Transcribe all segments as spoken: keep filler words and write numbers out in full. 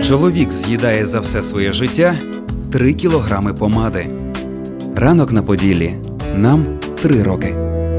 Чоловік з'їдає за все своє життя три кілограми помади. Ранок на Поділлі. Нам три роки.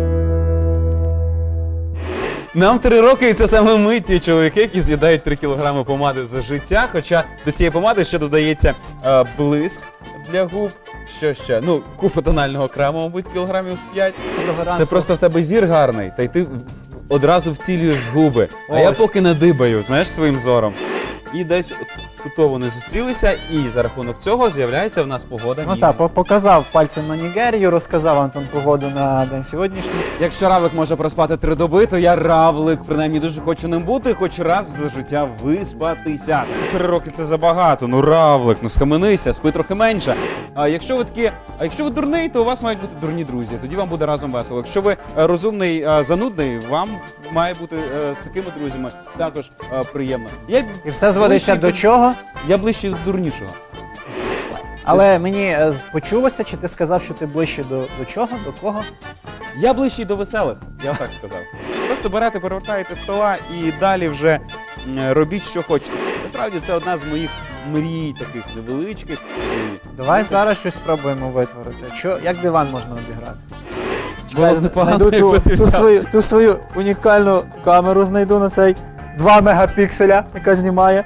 Нам три роки, і це саме ми, ті чоловіки, які з'їдають три кілограми помади за життя. Хоча до цієї помади ще додається е, блиск для губ. Що ще? Ну, купа тонального крему, мабуть, кілограмів з п'ять. Це просто в тебе зір гарний, та й ти одразу втілюєш губи. А Ось. я поки надибаю, знаєш, своїм зором. І десь тут вони зустрілися, і за рахунок цього з'являється в нас погода. Ну ніжна. так, по- показав пальцем на Нігерію, розказав Антон погоду на день сьогоднішній. Якщо равлик може проспати три доби, то я равлик, принаймні дуже хочу ним бути, хоч раз за життя виспатися. Три роки це забагато, ну равлик, ну схаменися, спи трохи менше. А якщо ви такі, а якщо ви дурний, то у вас мають бути дурні друзі, тоді вам буде разом весело. Якщо ви е, розумний, е, занудний, вам має бути е, з такими друзями також е, приємно. Я І все зводиться ближчий до чого? Я ближче до дурнішого. Але мені е, почулося, чи ти сказав, що ти ближче до, до чого? До кого? Я ближчий до веселих, я так сказав. Просто берете, перевертаєте стола і далі вже м, робіть, що хочете. Насправді це одна з моїх мрій, таких невеличких. І- Давай зараз щось спробуємо витворити. Що, як диван можна обіграти? Було б Чекай, непогано, знайду якби ту, ти ту, взяв. свою, ту свою унікальну камеру знайду на цей два мегапікселя, яка знімає.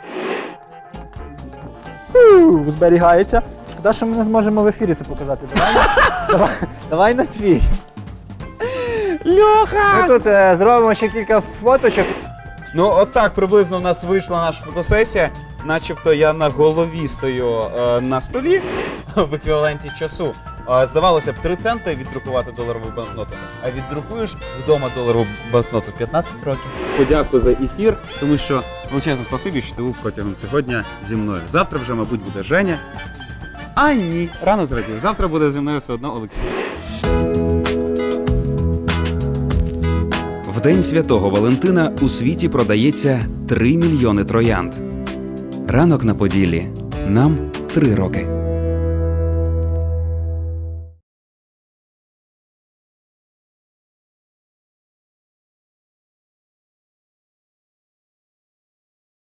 У, зберігається. Шкода, що ми не зможемо в ефірі це показати. Давай, на- давай, давай на твій. Льоха! Ми тут е, зробимо ще кілька фоточок. Ну, от так приблизно в нас вийшла наша фотосесія. Начебто я на голові стою е, на столі в еквіваленті часу. Е, здавалося б, три центи віддрукувати доларову банкноту, а віддрукуєш вдома доларову банкноту п'ятнадцять років. Подякую за ефір, тому що величезне спасибі, що ти був протягом цього дня зі мною. Завтра вже, мабуть, буде Женя. А ні, рано зрадів. Завтра буде зі мною все одно Олексій. В День Святого Валентина у світі продається три мільйони троянд. Ранок на Поділлі. Нам три роки.